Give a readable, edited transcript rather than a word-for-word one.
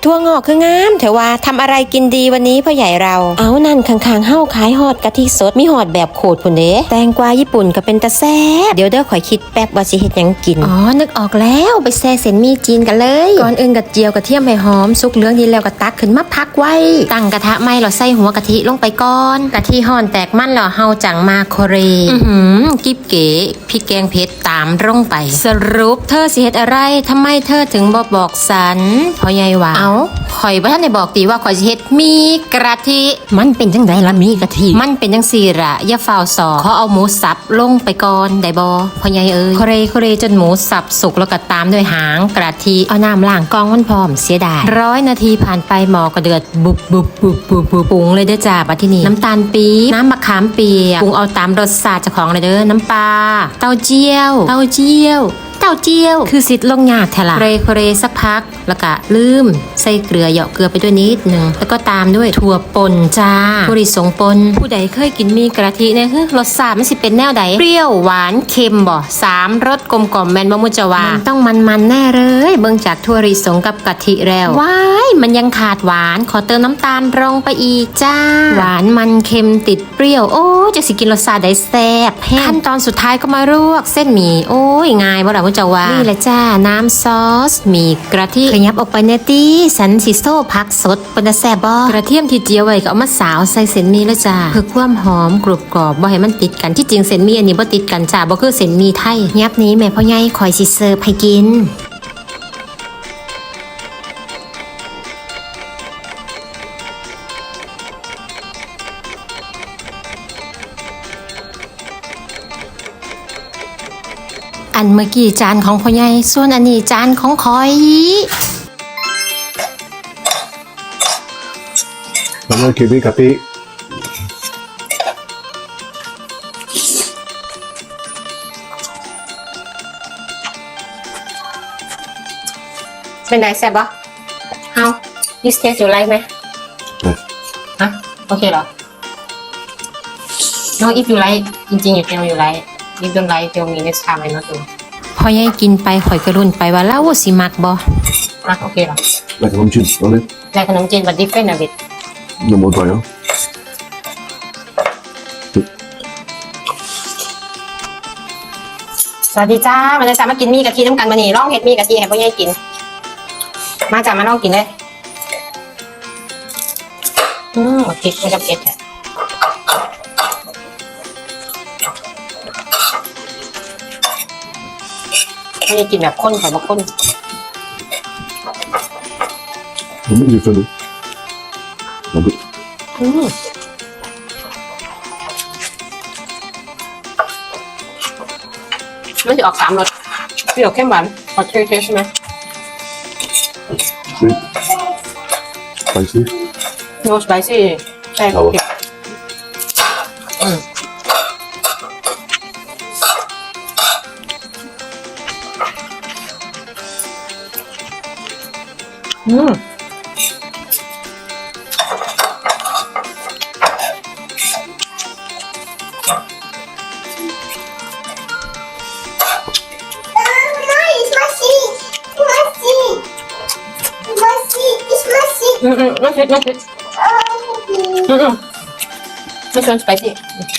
ทั่วงอกคืองามแต่ว่าทำอะไรกินดีวันนี้พ่อใหญ่เราเอานั่นข้างๆเฮ้าขายฮอดกะทิสดมีฮอดแบบโขดพุ่นเด้แตงกวาญี่ปุ่นก็เป็นตะแซ่บเดี๋ยวเด้อข่อยคิดแป๊บว่าสิเฮ็ดหยังกินอ๋อนึกออกแล้วไปแซ่เส้นหมี่จีนกันเลยก่อนอื่นกระเจียวกระเทียมให้หอมสุกเหลืองดีแล้วก็ตักขึ้นมาพักไว้ตั้งกระทะไหม้เราใส่หัวกะทิลงไปก่อนกะทิห่อนแตกมันแล้วเฮาจังมาโคเรกิ๊บเก๋พริกแกงเผ็ดตามลงไปสรุปเธอสิเฮ็ดอะไรทำไมเธอถึงบ่บอกสันพ่อใหญ่ว่าเอาข่อยบ่ทันได้บอกติว่าข่อยสิเฮ็ดมีกะทิมันเป็นจังไดล่ะมีกะทิมันเป็นจังซี่ล่ะอย่าฟ้าวสอขอเอาหมูสับลงไปก่อนได้บ่พ่อใหญ่เอ้ยโคเรจนหมูสับสุกแล้วก็ตามด้วยหางกะทิเอาน้ำล้างกองมันพร้อมเสียดาย100 นาทีผ่านไปหม้อก็เดือดบุบปรุงเลยเด้อจ้าบัดทีนี้น้ำตาลปี๊บน้ำมะขามเปียกปรุงเอาตามรสชาติเจ้าของเลยเด้อน้ำปลาเต้าเจี้ยวคือสิทธิ์ลงยากแท้ล่ะโคเรสักพักแล้วก็ลืมใส่เกลือเหยาะเกลือไปด้วยนิดนึงแล้วก็ตามด้วยถั่วป่นจ้าถั่วลิสงป่นผู้ใดเคยกินมีกะทิเนี่ยรสชาติมันสิเป็นแนวใดเปรี้ยวหวานเค็มบ่3 รสกลมกล่อมแม่นบ่มุจวามันต้องมันแน่เลยเบิ่งจากถั่วลิสงกับกะทิแล้วว้ายมันยังขาดหวานขอเติมน้ำตาลลงไปอีกจ้าหวานมันเค็มติดเปรี้ยวโอ้จะสิกินรสชาติได้แซ่บขั้นตอนสุดท้ายก็มาลวกเส้นหมี่โอ้ยง่ายบ่ล่ะมุจวานี่แหละจ้าน้ำซอสมีกระเทียมขยับออกไปเนตี้สันซิโซผักสดปนแซ่บบ่กระเทียมที่เจียวไว้ก็เอามาสาวใส่เส้นหมี่แล้วจ้าเพื่อความหอมกรุบกรอบบ่ให้มันติดกันที่จริงเส้นหมี่อันนี้บ่ติดกันจ้าบ่คือเส้นหมี่ไทยยับนี้แม่พ่อใหญ่คอยสิเสิร์ฟให้กินอันเมื่อกี้จานของพ่อใหญ่ส่วนอันนี้จานของคอยแล้วก็กินนี่กะทิเป็นไงแซ่บปะHow this taste you like ไหมฮะโอเคเหรอ No if you like จริงๆ you tell you like if don't like tell me next time I not do พอยัยกินไปข่อยกระรุ่นไปว่าเล่าสิมักบ่โอเคเหรอแล้วขนมจีนเอาเลยแล้วขนมจีน but different a bit no more try สวัสดีจ้ามาเลยจ้ามากินมีกะทิน้ำกันมานี่ลองเฮ็ดมีกะทิให้พ่อใหญ่กินมาจ้ามาลองกินเลยพริกไม่กับเผ็ดแท้ไม่ได้กินแบบข้นแต่ว่าข้นผมไม่ดีเฟรนด์มันจะออก3 รสเปรี้ยวเข้มหวานขอเทสใช่ไหม spicy no spicy ใช่เผ็ดไม่เผ็ดไม่ชวนสไปซี่